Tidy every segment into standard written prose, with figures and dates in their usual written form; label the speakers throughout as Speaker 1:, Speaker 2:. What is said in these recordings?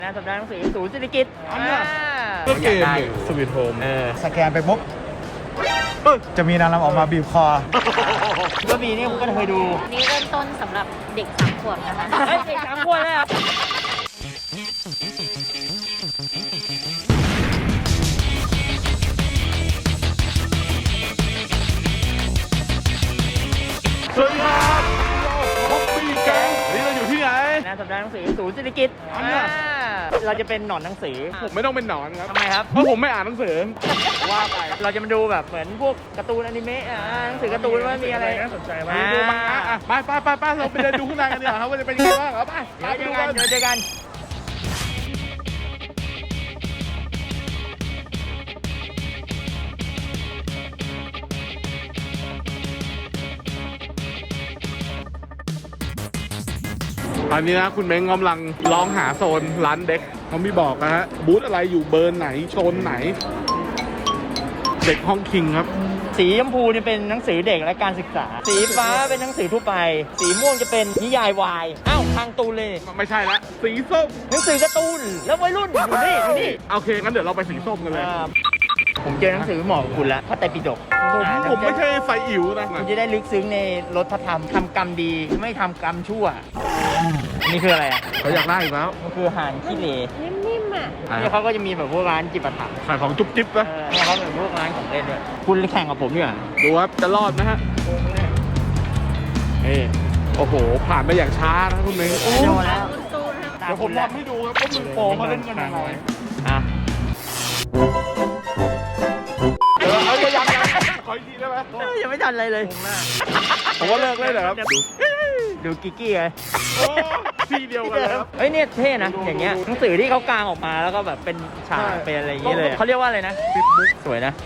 Speaker 1: สัปดาห์หนังสือศูนย์เศรษฐกิจ
Speaker 2: ก็เกมสวีทโฮม
Speaker 3: สแกนไปปุ๊บจะมีนางรำออกมาบีบคอ
Speaker 1: ก็มีนี่ผมก็เคยดู
Speaker 4: นี่เริ่มต้นสำหรับเด็ก3 ขวบนะคะ
Speaker 1: เด็ก3 ขวบเลย
Speaker 2: สวัสดีครับป๊อปปี้แก๊งนี่เราอยู่ที่ไหน
Speaker 1: สัปดาห์หนังสือศูนย์เศรษฐกิจเราจะเป็นหนอนหนังสือ
Speaker 2: ผมไม่ต้องเป็นหนอนครับ
Speaker 1: ทำไมครับ
Speaker 2: เพราะผมไม่อ่านหนังสือว่าไป
Speaker 1: เราจะมาดูแบบเหมือนพวกการ์ตูนอนิเมะหนังสือการ์ตูนว่ามีอะไรน่าสนใจไหม
Speaker 2: ดูมังงะไปเราไปเดินดูข้างในกันดีกว่าครับว่าจะเป็นยังไงบ้างครับไป
Speaker 1: เจอกัน
Speaker 2: ตอนนี้นะคุณเม้งกำลังลองหาโซนร้านเด็กเขาไม่บอกนะฮะบูธอะไรอยู่เบอร์ไหนโซนไหนเด็กห้องคิงครับ
Speaker 1: สีชมพูเนี่ยเป็นหนังสือเด็กและการศึกษาสีฟ้าเป็นหนังสือทั่วไปสีม่วงจะเป็นนิยายวายอ้าวทางตูนเลย
Speaker 2: ไม่ใช่ละสีส้ม
Speaker 1: หนังสือการ์ตูนแล้ววัยรุ่นอยู่นี่
Speaker 2: โอเคงั้นเดี๋ยวเราไปสีส้มกันเลย
Speaker 1: ผมเจอหนังสือเหมาะกับคุณแล้วพระไตรปิฎก
Speaker 2: ผมไม่ใช่ไฟอิ๋วนะ
Speaker 1: คุณจะได้ลึกซึ้งในรสพระธรรมทำกรรมดีไม่ทำกรรมชั่วนี่คืออะไร
Speaker 2: เขาอยากได้อีกแล้ว
Speaker 1: มันคือห่านขี้เหร่
Speaker 4: นิ่มๆอ่ะ
Speaker 1: นี่เขาก็จะมีแบบพวกร้านจิปาถะ
Speaker 2: ขายของจุ๊บจิ๊บนะ
Speaker 1: เนี่ยเขาเป็นพวกร้านของเล่นด้วยคุณแข่งกับผมเนี่ย
Speaker 2: ดูครับจะรอดนะฮะโอ้โหผ่านไปอย่างช้านะคุณเมย์
Speaker 1: โอ้แล้ว
Speaker 2: เดี๋ยวผมทำให้ดูครับว่ามือโปรมาเล่นกันยังไงเอายังขออีกทีได้ไหม
Speaker 1: ยังไม่ทันอะไรเลย
Speaker 2: ผมว่าเลิกเลยเหรอครับ
Speaker 1: ดูกิ๊กกี้เลย
Speaker 2: ที่เดียวกันครับ
Speaker 1: เฮ้ยเนี่ยเท่นะอย่างเงี้ยหนังสือที่เขากางออกมาแล้วก็แบบเป็นฉากเป็นอะไรอย่างเงี้ยเลยเขาเรียกว่าอะไรนะฟิปบุ๊กสวยนะ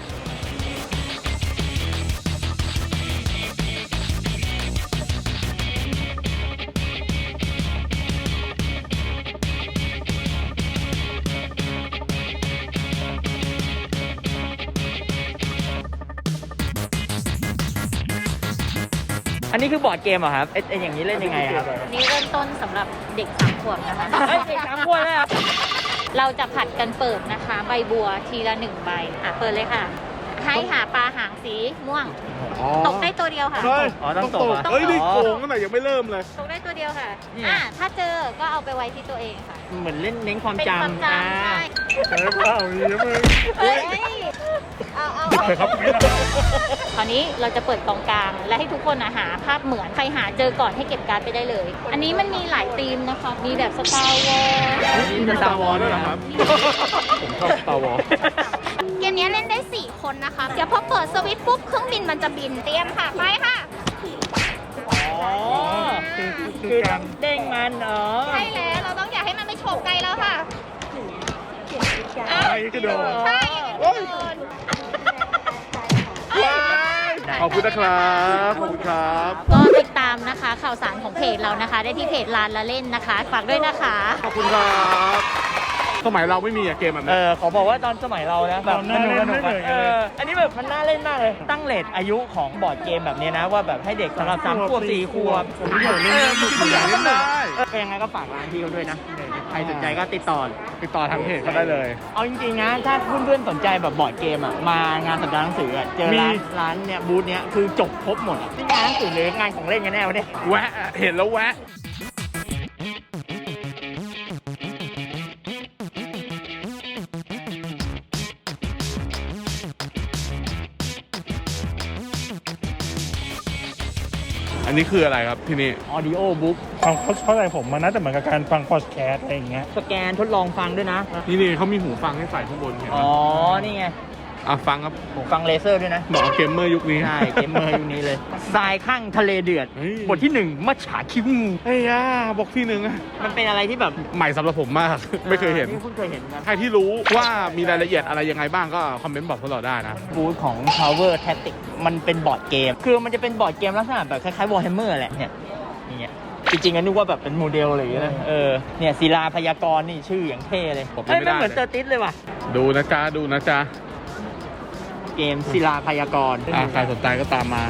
Speaker 1: อันนี้คือบอร์ดเกมเหรอครับอย่างนี้เล่นยังไงครับ
Speaker 4: นี่เริ่มต้นสำหรับเด็ก3 ขวบนะคะ
Speaker 1: เด็ก3 ขวบเลย
Speaker 4: เราจะผัดกันเปิดนะคะใบบัวทีละ1 ใบเปิดเลยค่ะให้หาปลาหางสีม่วงตกได้ตัวเดียวค่ะ
Speaker 1: ต้องตก
Speaker 2: เฮ้ยนี่โกงตั้งแต่ยังไม่เริ่มเลย
Speaker 4: ตกได้ตัวเดียวค่ะถ้าเจอก็เอาไปไว้ที่ตัวเองค่ะ
Speaker 1: เหมือนเล่นเน้นความจำ
Speaker 4: ใช่
Speaker 2: เปล่ามีนะมึง
Speaker 4: เอาครับคราวนี้เราจะเปิดกองกลางและให้ทุกคนหาภาพเหมือนใครหาเจอก่อนให้เก็บการ์ดไปได้เลยอันนี้มันมีหลายธีมนะคะมีแบบสตาร์วอร์
Speaker 2: มีสตาร์วอร์ด้วยเหรอครับผมชอบสตาร์วอร์
Speaker 4: เกมนี้เล่นได้4 คนนะคะเดี๋ยวพอเปิดสวิตช์ปุ๊บเครื่องบินมันจะบินเตรียมค่ะไปค่ะ
Speaker 1: คือเด้งมัน
Speaker 4: ใช่แล้วเราต้องอยากให้มันไปโฉบไกลแล้วค่ะ
Speaker 2: ไอ้กระโดด
Speaker 4: ใช่
Speaker 2: ขอบคุณนะครับขอบคุณครับ
Speaker 4: ก็ติดตามนะคะข่าวสารของเพจเรานะคะได้ที่เพจลานละเล่นนะคะฝากด้วยนะคะ
Speaker 2: ขอบคุณครับสมัยเราไม่มีเกมแบบนี้
Speaker 1: ขอบอกว่าตอนสมัยเรานะแบบสนุกอันนี้แบบมันน่าเล่นมากเลยตั้งเรทอายุของบอร์ดเกมแบบนี้นะว่าแบบให้เด็กสำหรับ3 ขวบ4 ขวบ
Speaker 2: ผมอยากเล่นได้
Speaker 1: ก็ยังไงก็ฝากร้านที่เขาด้วยนะใครสนใจก็ติดต่อ
Speaker 2: ทางเพจก็ได้เลย
Speaker 1: เอาจริงๆนะถ้าเพื่อนๆสนใจแบบบอร์ดเกมมางานสัปดาห์หนังสือเจอร้านเนี่ยบูธเนี้ยคือจบครบหมดที่งานหนังสือหรืองานของเล่นกันแน่วะเนี่ย
Speaker 2: แวะเห็นแล้วแวะอันนี้คืออะไรครับที่นี่
Speaker 1: Audio Book
Speaker 3: ความเข้าใจผมมันน่าจะเหมือนกับการฟังพอดแคสต์อะไรอย่างเงี้ย
Speaker 1: สแกนทดลองฟังด้วยนะ
Speaker 2: นี่เขามีหูฟังให้ใส่ข้างบนเห็นไหม
Speaker 1: นี่ไง
Speaker 2: ฟังครับ
Speaker 1: หูฟังเลเซอร์ด้วยนะ
Speaker 2: เหมาะเกมเมอร์ยุคนี้
Speaker 1: ใช่เกมเมอร์ยุคนี้เลยทรายข้างทะเลเดือดบทที่1มัจฉาคิ้วงู
Speaker 2: บอกที่1
Speaker 1: มันเป็นอะไรที่แบบ
Speaker 2: ใหม่สำหรับผมมากไม่เคยเห็น
Speaker 1: คุณเคยเห็นกัน
Speaker 2: ใครที่รู้ว่ามีรายละเอียดอะไรยังไงบ้างก็คอมเมนต์บอกพวกเราได้นะ
Speaker 1: บูธของ Power Tactics มันเป็นบอร์ดเกมคือมันจะเป็นบอร์ดเกมลักษณะแบบคล้ายๆ Warhammer แหละเนี่ยจริงๆนึกว่าแบบเป็นโมเดลอะไรอย่างเงี้ยเนี่ยศิลาพยากรณ์นี่ชื่ออย่างเท่เลยไม่เหมือนเตอร์ติสเลยว่ะ
Speaker 2: ดูนะจ๊ะ
Speaker 1: เกมศิลาพยากรณ์
Speaker 2: ใครสนใจก็ตามมา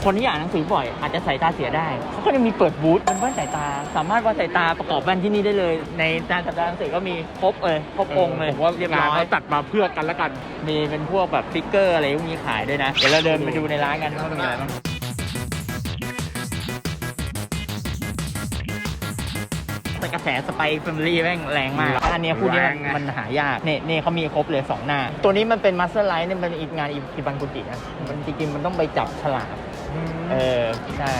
Speaker 1: คนที่อ่านหนังสือบ่อยอาจจะสายตาเสียได้เขาก็จะมีเปิดบูธเป็นแว่นสายตาสามารถวัดสายตาประกอบแว่นที่นี่ได้เลย ในงานสัปดาห์หนังสือก็มีครบองค์เลย
Speaker 2: ผมว่า
Speaker 1: เรียบ
Speaker 2: งาน
Speaker 1: ร้อย
Speaker 2: เขาจัดมาเพื่อกันแล้วกัน
Speaker 1: มีเป็นพวกแบบฟิกเกอร์อะไรพวกนี้ขายด้วยนะเดี๋ยวเราเดินไปดูในร้านกันว่ามีอะไรบ้างแต่กระแสสไปซ์แฟมิลี่แม่งแรงมากอันเนี้ยคู่นี้
Speaker 2: แรงไง
Speaker 1: มันหายากเนี่ยเขามีครบเลย 2 หน้า ตัวนี้มันเป็นมาสเตอร์ไลท์เนี่ยมันเป็นงานอิบันกุจินะมันจริงๆมันต้องไปจับฉลากใช่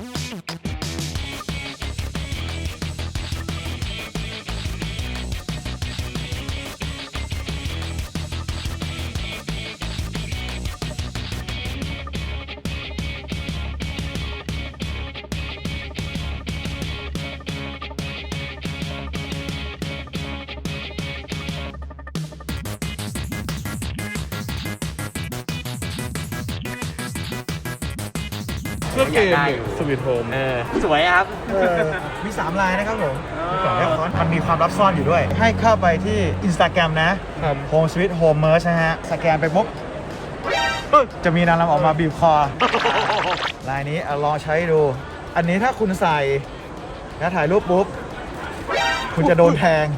Speaker 2: เพื่อเกมสวีทโฮม
Speaker 1: สวยครับ
Speaker 3: มี 3 ลายนะครับผมสองแอปฟอนต์มันมีความลับซ่อนอยู่ด้วย ให้เข้าไปที่ Instagram นะ
Speaker 2: ครับ
Speaker 3: Home Sweet Home Merch นะฮะ สแกนไปปุ๊บจะมีนางรำออกมาบีบคอ ลายนี้ลองใช้ดู อันนี้ถ้าคุณใส่แล้วถ่ายรูปปุ๊บ คุณจะโดนแทง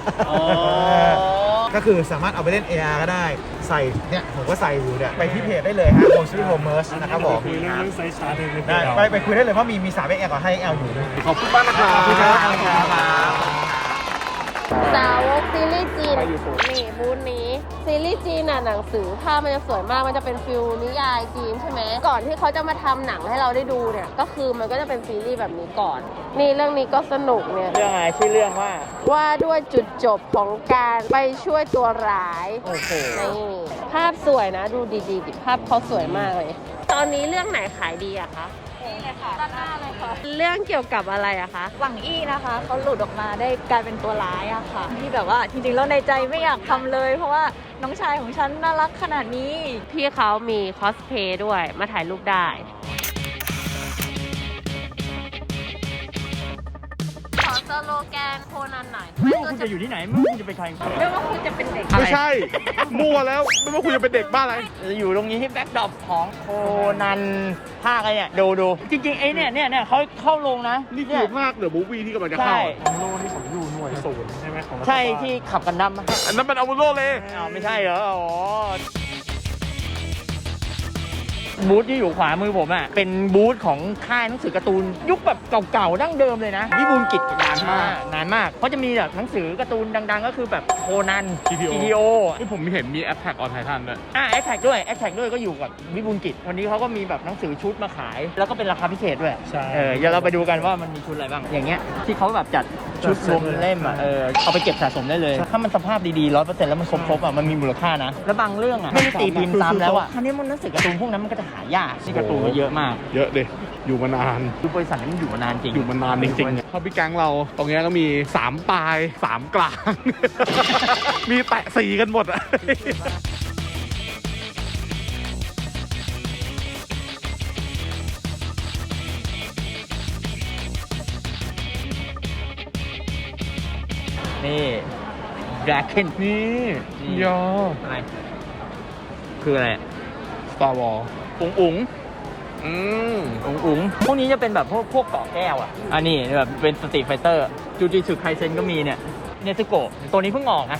Speaker 3: ก็คือสามารถเอาไปเล่น AR ก็ได้ ใส่เนี่ยผมก็ใส่อยู่เนี่ย ไปที่เพจได้เลยฮะ Home Sweet Home Merch นะครับผม
Speaker 2: คุยเรื่องไซส์ชาร์ตเลย
Speaker 3: ได้ไปคุยได้เลยเพราะมี3 XL กับ5 XL อยู่ด้วย
Speaker 2: ขอบคุณมากนะครับ
Speaker 3: ขอบคุณครับ
Speaker 5: สาวกซีรีส์จีนนี่บูธนี้ซีรีส์จีนน่ะหนังสือภาพมันจะสวยมากมันจะเป็นฟิลนิยายจีนใช่ไหมก่อนที่เขาจะมาทำหนังให้เราได้ดูเนี่ยก็คือมันก็จะเป็นซีรีส์แบบนี้ก่อน นี่เรื่องนี้ก็สนุกเนี่ย
Speaker 1: เรื่องอะไรชื่อเรื่องว่า
Speaker 5: ว่าด้วยจุดจบของการไปช่วยตัวร้าย
Speaker 1: โอ้โห
Speaker 5: นี่ภาพสวยนะดูดีๆภาพเขาสวยมากเลย ตอนนี้เรื่องไหนขายดีอะคะ
Speaker 6: นี่เลยค่ะด้านหน้าเลยค่ะ
Speaker 5: เรื่องเกี่ยวกับอะไรอะคะ
Speaker 6: หวังอี้นะคะเขาหลุดออกมาได้กลายเป็นตัวร้ายอะค่ะ ที่แบบว่าจริงๆแล้วในใจไม่อยากทำเลย เพราะว่าน้องชายของฉันน่ารักขนาดนี้
Speaker 5: พี่เขามีคอสเพลย์ด้วยมาถ่ายรูปได้ ขอสโลแกนโคนันหน่อย
Speaker 1: ไม่ว่าคุณจะอยู่ที่ไหนไม่ว่าคุณจะเป็นใคร
Speaker 5: ไม่ว่าคุณจะเป็นเด็ก
Speaker 2: ไม่ใช่ มั่วแล้ว ไม่ว่าคุณจะเป็นเด็กบ้าอะไร
Speaker 1: อยู่ตรงนี้ที่แบ็คดรอปของโคนันภาคอะไรเนี่ยดูจริงๆไอ้เนี่ยเขาเข้าลงนะ
Speaker 2: นี่คือภาคเดอะมูฟวี่ที่กำลังจะเข้า
Speaker 1: ใช่
Speaker 3: โลนี่ผมอยู่หน่วยศูนย์ใช่ไหมของ
Speaker 1: ใช่ที่ขับกันดั้มอะ
Speaker 2: อันนั้นเป็นอาวุโรเลย
Speaker 1: อ้าวไม่ใช่เหรออ๋อบูธที่อยู่ขวามือผมอ่ะเป็นบูธของค่ายหนังสือการ์ตูนยุคแบบเก่าๆดั้งเดิมเลยนะวิบูลย์กิจนานมากเขาจะมีแบบหนังสือการ์ตูนดังๆ ก็คือแบบโคนัน GTO
Speaker 2: ที่ผมเห็นมีแอปแท็กออนไททันด้วย
Speaker 1: แอคแท็กด้วยก็อยู่กับวิบูลย์กิจวันนี้เขาก็มีแบบหนังสือชุดมาขาย แล้วก็เป็นราคาพิเศษด้วยเดี๋ยวเราไปดูกันว่ามันมีชุดอะไรบ้างอย่างเงี้ยที่เขาแบบจัดชุดรวมเล่มอ่ะเอาไปเก็บสะสมได้เลย ถ้ามันสภาพดีๆ 100% แล้วมันครบอ่ะมันมีมูลค่านะแล้วบางเรื่องอ่ะไม่ได้ตีพิมพ์ซ้ำแล้วอ่ะคราวนี้มันหนังสือการ์ตูนพวกนั้นมันก็จะหายากที่การ์ตูนมันเยอะมาก
Speaker 2: เยอะเดยอยู่มานาน
Speaker 1: ดูบริษัทนี้มันอยู่มานานจริง
Speaker 2: อยู่มานานจริงๆเพราะพี่แก๊งเราตรงเนี้ยก็มี 3 ปลาย 3 กลาง มีแตะสีกันหมดอะ
Speaker 1: นี่ Draken
Speaker 2: นี่ยอ
Speaker 1: อะไร คืออะไร
Speaker 2: Star Wars
Speaker 1: อุ๋ง
Speaker 2: อืม
Speaker 1: พวกนี้จะเป็นแบบพวกเกาะแก้วอ่ะอันนี้แบบเป็นสตรีทไฟเตอร์จูจิสึไคเซ็นก็มีเนี่ยเนซึโกะตัวนี้เพิ่งออกนะ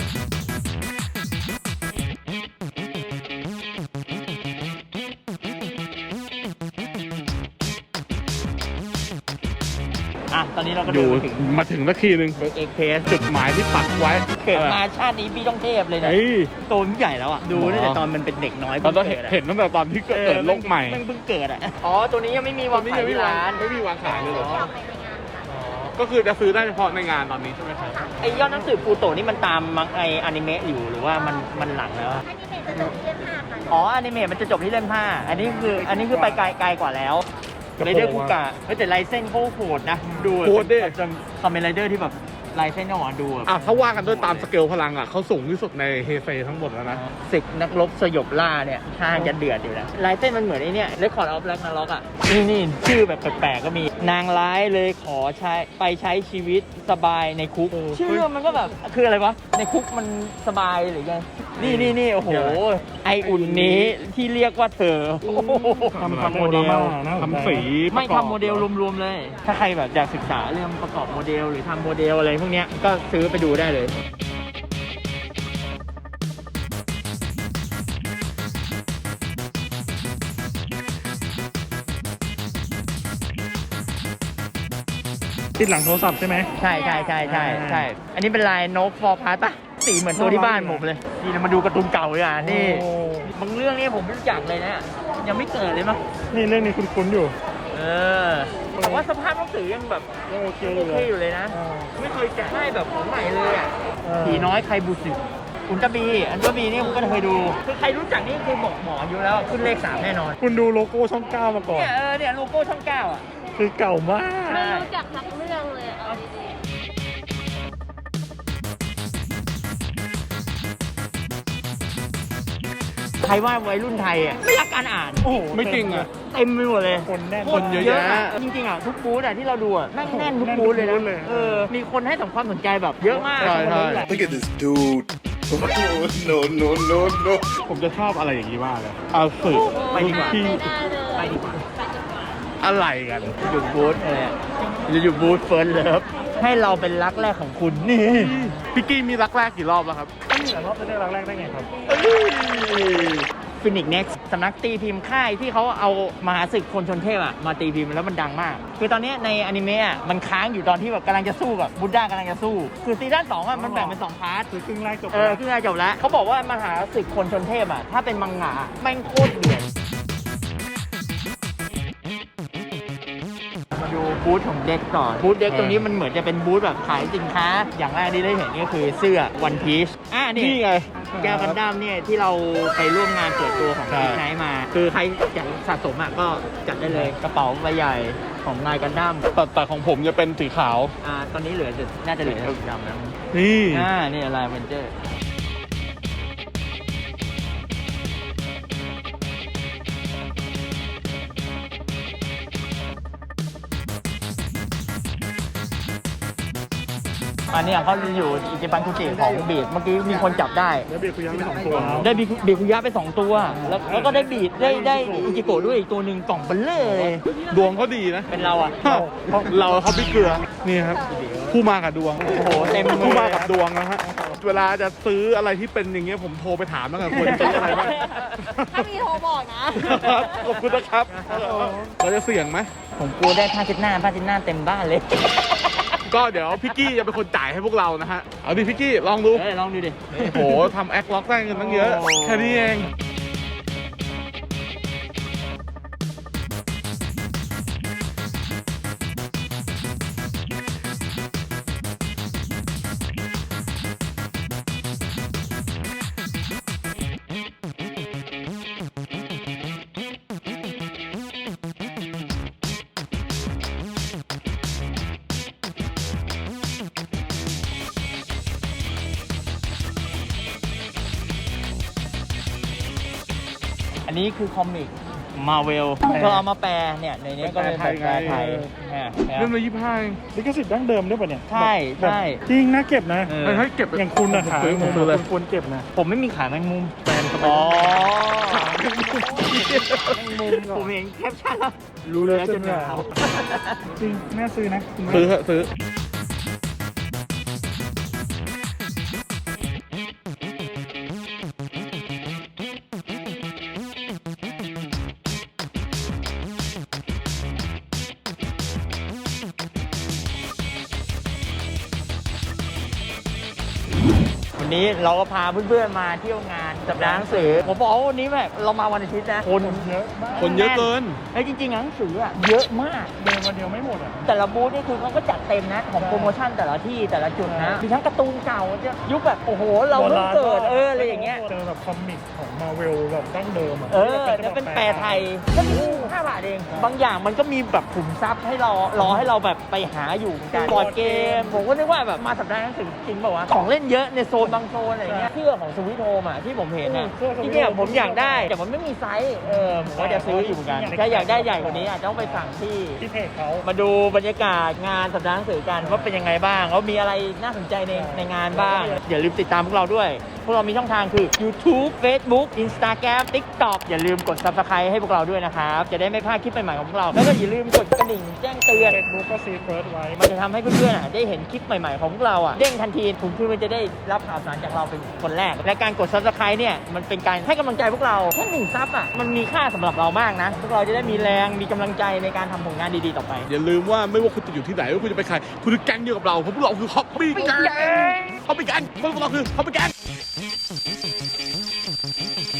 Speaker 1: ตอนนี้เราก็
Speaker 2: อ
Speaker 1: ดู
Speaker 2: ยู่
Speaker 1: ถึง
Speaker 2: มาถึงสักทีหนึ่ง
Speaker 1: เอ็กเพส
Speaker 2: จุดหมายที่ปักไว้
Speaker 1: เกิดมาชาตินี้พี่ต้องเทพเลยนะ
Speaker 2: เฮ้ย
Speaker 1: โตมันใหญ่แล้วอ่ะ ดูตั้งแต่ตอนมันเป็นเด็กน้อย
Speaker 2: เราต้อง
Speaker 1: พิ่งกิดะ
Speaker 2: เห็นตั้งแต่ตอนที่เกิดโลกใหม่
Speaker 1: มันเพิ่งเกิดอ่ะ อ๋อ ตัวนี้ยังไม่มีวางขายที่ร้าน
Speaker 2: ไม่มีวางขายเลยเหรอก็คือจะซื้อได้เฉพาะในงานตอนนี้ใช่ไหมครับ
Speaker 1: ไอยอดหนังสือปูโตะนี่มันตามมังไออนิเมะอยู่หรือว่ามันหลังแล้วอะอ๋ออนิเมะมันจะจบที่เล่ม5อันนี้คือไปไกลกว่าแล้วไรเดอร์คุกะเฮ้ยแต่ลายเส้นเขาโหดนะ ดู
Speaker 2: โหดดิ
Speaker 1: จนคอมเมนไรเดอร์ที่แบบลายเส้นออกมาดูแบบ
Speaker 2: ถ้าว่ากันด้วยตามสเกลพลังอ่ะเขาสูงที่สุดในเฮเซทั้งหมดแล้วนะ
Speaker 1: ศึกนักรบสยบล่าเนี่ยท่าจะเดือดอยู่นะลายเส้นมันเหมือนไอ้เนี่ยเรคคอร์ดออฟแร็กนาร็อกอ่ะนี่ชื่อแบบแปลกๆก็มีนางร้ายเลยขอใช้ชีวิตสบายในคุกชื่อมันก็แบบคืออะไรวะในคุกมันสบายหรือไงนี่โอ้โห ไออุ่นนี้ที่เรียกว่าเธอทำโมเดล
Speaker 2: ทำสี
Speaker 1: ไม่ทำโมเดลรวมๆเลย ถ้าใครแบบอยากศึกษาเรื่องประกอบโมเดลหรือทำโมเดลอะไรพวกเนี้ยก็ซื้อไปดูได้เลย
Speaker 3: ติดหลังโทรศัพท์ใช่ไหม
Speaker 1: ใช่ อันนี้เป็นลายนกฟอร์พาร์ตปะสีเหมือนตัวที่บ้านผมเลย นี่เรามาดูการ์ตูนเก่าดีกว่านี่บางเรื่องนี่ผมไม่รู้จักเลยนะ ยังไม่เกิดเลยมั้ง
Speaker 3: นี่เรื่องนี้คุ้นๆอยู่
Speaker 1: แต่ว่าสภาพหนังสือยังแบบโอเคอยู่เลยนะ ไม่เคยแกะให้แบบของใหม่เลยอ่ะผีน้อยไคบูสึอุลตร้าบีนี่ผมก็เคยดู คือใครรู้จักนี่คือหมออยู่แล้วขึ้นเลข 3 แน่นอน
Speaker 3: คุณดูโลโก้ช่อง 9 มาก่อน
Speaker 1: เนี่ยโลโก้ช่อง 9 อ่ะ
Speaker 3: คือเก่ามาก
Speaker 5: ไม่รู้จักทั้งเรื่องเลยเอา
Speaker 1: ใครว่าวัยรุ่นไทยอ่ะไม่รักการอ่าน
Speaker 3: โอ้โห
Speaker 2: ไม่จริงอ่ะ
Speaker 1: เต็มไปหมดเลย
Speaker 3: คนแน่น
Speaker 2: คนเยอะแยะ
Speaker 1: จริงๆอ่ะทุกบูธอ่ะที่เราดูอ่ะแน่นทุกบูธเลยนะมีคนให้ความสนใจแบบเยอะมาก
Speaker 2: ใช่
Speaker 7: Look at this dude. No, no, no, no.
Speaker 2: ผมจะชอบอะไรอย่างนี้มากเลยเอาสึก
Speaker 1: ไปดีกว่า
Speaker 2: ที่
Speaker 5: ไม่ได้เลย
Speaker 1: ไปดีกว่า
Speaker 2: อะไรกัน
Speaker 1: หยุดบูธเลยอะจะหยุดบูธเฟิร์สเลิฟให้เราเป็นรักแรกของคุณนี่
Speaker 2: พี่กี้มีรักแรกกี่รอบแล้วครับ
Speaker 3: ไม่มีแต่รอบจะได้รักแรกได้ไงครับ
Speaker 1: ฟินิกเน็กซ์สำนักตีพิมพ์ค่ายที่เขาเอามหาศึกคนชนเทพอ่ะมาตีพิมพ์แล้วมันดังมาก คือตอนนี้ในอนิเมะอ่ะมันค้างอยู่ตอนที่แบบกำลังจะสู้แบบบุดด้ากำลังจะสู้ คือซีซั่น2อ่ะมันแบ่งเป็น2 พาร์ท
Speaker 3: คือครึ่งแรกจบ
Speaker 1: ครึ่งแรกจบแล้วเขาบอกว่ามหาศึกคนชนเทพอ่ะถ้าเป็นมังงะแม่งโคตรเดือดมาดูบูธของเด็กก่อนบูธเด็กตรงนี้มันเหมือนจะเป็นบูธแบบขายสินค้าอย่างแรกที่ได้เห็นก็คือเสื้อวันพีชนี่
Speaker 2: ไง
Speaker 1: แก้วกันดั้มเนี่ยที่เราไปร่วมงานเปิดตัวของ
Speaker 2: ใช่
Speaker 1: พี่ไนท์มา คือใครอยากสะสมอ่ะก็จัดได้เลยกระเป๋าใบใหญ่ของนายกันดั้ม
Speaker 2: แต่ของผมจะเป็นสีขาว
Speaker 1: ตอนนี้น่าจะเหลือสีดำแล้ว
Speaker 2: นี่
Speaker 1: นี่อะไรเวนเจอร์อันนี้เขาอยู่อิจิบันคุจิของบีดเมื่อกี้มีคนจับได้
Speaker 3: แล้วเบียร์คุยยังไม่2 ตัว
Speaker 1: ได้บีคุยะไป2 ตัว แล้วก็ได้บีดได้อิจิโกะด้วยอีกตัวหนึ่งกล่องเบลเลอร์เลย
Speaker 2: ดวงเขาดีนะ
Speaker 1: เป็นเราอ่ะ
Speaker 2: เราเขาพี่เกลือ นี่ครับ ผู้มากับดวง
Speaker 1: โอ้โหเต็มมือ
Speaker 2: ผู้มากับดวงนะฮะ เวลาจะซื้ออะไรที่เป็นอย่างเงี้ยผมโทรไปถามแล้วกันควรซื้ออะไรบ้าง
Speaker 6: ถ้ามีโทรบอกนะ
Speaker 2: ขอบคุณนะครับ เราจะเสี่ยงไหม
Speaker 1: ผมกลัวได้ผ้าเช็ดหน้าเต็มบ้านเลย
Speaker 2: ก็เดี๋ยวพี่กี้จะเป็นคนจ่ายให้พวกเรานะฮะ เอาดิพี่กี้ลองดู
Speaker 1: ลองดูดิ
Speaker 2: โอ้โหทำแอคล็อกได้เงินตั้งเยอะ
Speaker 1: โอ้
Speaker 2: แค่นี้เอง
Speaker 1: อันนี้คือคอมิกมาเวลก็เอามาแปลเนี่ยในนี้ก็เป็นแบบแปลไทยเนี่ย
Speaker 2: เรื่องละ25เอง
Speaker 3: ลิขสิทธิ์ดั้งเดิมด้วยป่ะเนี่ย
Speaker 1: ใช่
Speaker 3: แบบจริงน่าเก็บนะ
Speaker 2: ให้เก็บ
Speaker 3: อย่างคุณนะขาย
Speaker 2: ผมซื้อเลย
Speaker 3: คุณควรเก็บนะ
Speaker 1: ผมไม่มีขายแมงมุม
Speaker 3: แบรนด์สบา
Speaker 1: อ๋
Speaker 3: ย
Speaker 1: อแมงมุมผมเห็นแคปชั่นแล้วรู้แล้วจนหนาว
Speaker 3: จริงน่าซื้อนะคุณ
Speaker 2: ซื้อเถอะซื้อ
Speaker 1: วันนี้เราก็พาเพื่อนๆมาเที่ยวงานสัปดาห์หนังสือผมบอกว่าวันนี้แบบเรามาวันอาทิตย์นะคน
Speaker 3: เยอะมาก
Speaker 2: คนเยอะเกิน
Speaker 1: ไอ้ยจริงๆหนังสืออะเยอะมาก
Speaker 3: เดินวันเดียวไม่หมดอ่ะ
Speaker 1: แต่ละบูธนี่คือเขาก็จัดเต็มนะของโปรโมชั่นแต่ละที่แต่ละจุดนะมีทั้งการ์ตูนเก่าจะยุคแบบโอ้โหเราเพิ่งเกิดอะไรอย่างเงี้ย
Speaker 3: เจอแบบคอมิกของมาเวลแบบดั้งเดิมอ่ะ
Speaker 1: จะเป็นแปลไทยก็มี5 บาทเองบางอย่างมันก็มีแบบขุมทรัพย์ให้รอให้เราแบบไปหาอยู่เหมือนกันบอร์ดเกมผมก็นึกว่าแบบมาสัปดาห์หนังสือจริงเปล่าวะของเล่นเยอะในโซนบางโซนอะไรเงี้ยเสื้อของสวิตโฮมอ่ะที่ผมเห็นอ่ะจริงๆผมอยากได้แต่มันไม่มีไซส์ผมก็จะซื้ออยู่เหมือนกันถ้าอยากได้ใหญ่กว่านี้อาจจะต้องไปสั่งที่
Speaker 3: ที่เพจเขา
Speaker 1: มาดูบรรยากาศงานสัปดาห์หนังสือกันว่าเป็นยังไงบ้างแล้วมีอะไรน่าสนใจในงานบ้างอย่าลืมติดตามพวกเราด้วยพวกเรามีช่องทางคือ YouTube Facebook Instagram TikTok อย่าลืมกด Subscribe ให้พวกเราด้วยนะครับจะได้ไม่พลาดคลิปใหม่ๆของพวกเราแล้วก็อย่าลืมกดกระดิ่งแจ้งเตือน
Speaker 2: Facebook ก็ซีเฟิร์สไว้
Speaker 1: มันจะทำให้เพื่อนๆได้เห็นคลิปใหม่ๆของพวกเราเด้งทันทีคุณเพื่อนๆจะได้รับข่าวสารจากเราเป็นคนแรกและการกด Subscribe เนี่ยมันเป็นการให้กำลังใจพวกเราแค่1 ซับมันมีค่าสำหรับเรามากนะพวกเราจะได้มีแรงมีกำลังใจในการทำผลงานดีๆต่อไป
Speaker 2: อย่าลืมว่าไม่ว่าคุณจะอยู่ที่ไหนว่าคุณจะไปใครคุณคือแก๊งเดียวกับเราเพราะพวกเราคือฮอปปี้แก๊งพวกเราคือฮอปปี้แก๊ง